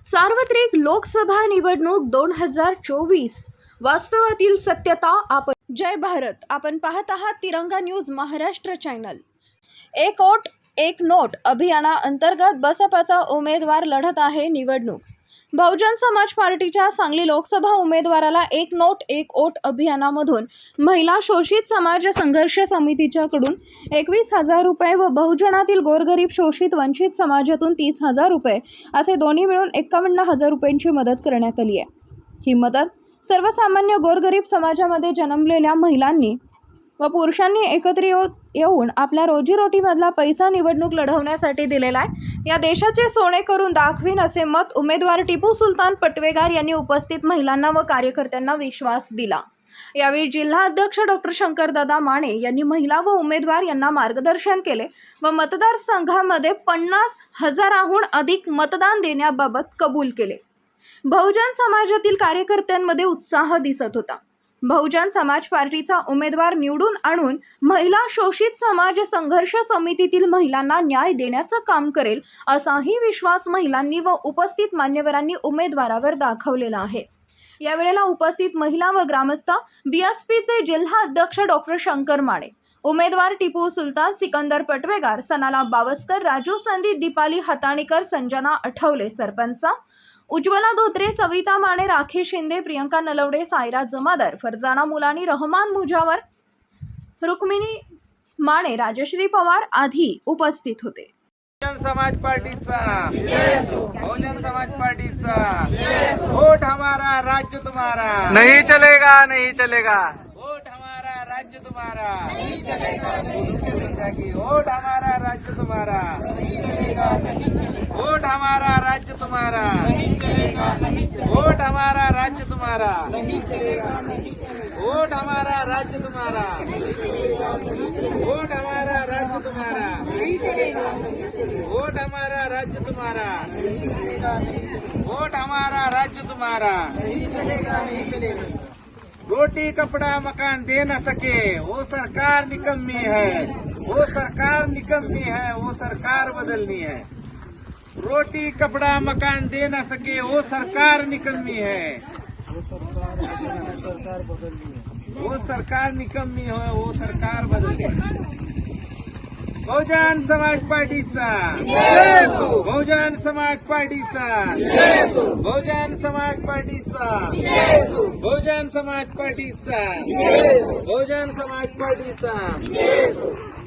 सार्वत्रिक लोकसभा निवडणूक 2024 वास्तवातील सत्यता आपण जय भारत. आपण पाहत आहात तिरंगा न्यूज महाराष्ट्र चॅनल. एक वोट एक नोट अभियानाअंतर्गत बसपाचा उमेदवार लढत आहे निवडणूक. बहुजन समाज पार्टीच्या सांगली लोकसभा उमेदवाराला एक नोट एक वोट अभियानामधून महिला शोषित समाज संघर्ष समितीच्याकडून 21,000 रुपये व बहुजनातील गोरगरीब शोषित वंचित समाजातून 30,000 रुपये असे दोन्ही मिळून 51,000 रुपयांची मदत करण्यात आली आहे. ही मदत सर्वसामान्य गोरगरीब समाजामध्ये जन्मलेल्या महिलांनी व पुरुषांनी एकत्र येऊन आपल्या रोजीरोटीमधला पैसा निवडणूक लढवण्यासाठी दिलेला आहे. या देशाचे सोने करून दाखवीन असे मत उमेदवार टिपू सुलतान पटवेगार यांनी उपस्थित महिलांना व कार्यकर्त्यांना विश्वास दिला. यावेळी जिल्हा अध्यक्ष डॉक्टर शंकरदादा माने यांनी महिला व उमेदवार यांना मार्गदर्शन केले व मतदारसंघामध्ये 50,000हून अधिक मतदान देण्याबाबत कबूल केले. बहुजन समाजातील कार्यकर्त्यांमध्ये उत्साह दिसत होता. बहुजन समाज पार्टीचा उमेदवार निवडून आणून महिला शोषित समाज संघर्ष समितीतील महिलांना न्याय देण्याचं काम करेल असाही विश्वास महिलांनी व उपस्थित मान्यवरांनी उमेदवारावर दाखवलेला आहे. यावेळेला उपस्थित महिला व ग्रामस्थ बीएसपीचे जिल्हा अध्यक्ष डॉक्टर शंकर माने, उमेदवार टिपू सुलतान, सिकंदर पटवेगार, सनाला बावस्कर, राजू संदीप, दीपाली हाताणीकर, संजना आठवले, सरपंच उज्ज्वला धोत्रे, सविता माने, राखी शिंदे, प्रियंका नलवडे, सायरा जमादार, फरजाना मुलानी, रहमान मुजावर, रुक्मिणी माने, राजश्री पवार आदी उपस्थित होते. बहुजन समाज पार्टीचा बहुजन समाज पार्टीचा वोट हमारा राज्य तुम्हारा नहीं चलेगा, नहीं चलेगा. वोट हमारा राज्य तुम्हारा नहीं चलेगा, नहीं चलेगा कि वोट हमारा राज्य तुम्हारा नहीं चलेगा, नहीं चलेगा. वोट हमारा राज्य तुम्हारा नहीं चलेगा, नहीं चलेगा. वोट हमारा राज्य तुम्हारा नहीं चलेगा, नहीं चलेगा. वोट हमारा राज्य तुम्हारा नहीं चलेगा, नहीं चलेगा. वोट हमारा राज्य तुम्हारा नहीं चलेगा, नहीं चलेगा. वोट हमारा राज्य तुम्हारा नहीं चलेगा, नहीं चलेगा. वोट हमारा राज्य तुम्हारा नहीं चलेगा, नहीं चलेगा. रोटी कपड़ा मकान दे न सके वो सरकार निकम्मी है, वो सरकार निकम्मी है, वो सरकार बदलनी है. रोटी कपड़ा मकान दे न सके वो सरकार निकम्मी है, वो सरकार निकम्मी है, वो सरकार बदलनी है. बहुजन समाज पार्टीचा बहुजन समाज पार्टीचा बहुजन समाज पार्टीचा बहुजन समाज पार्टीचा बहुजन समाज पार्टीचा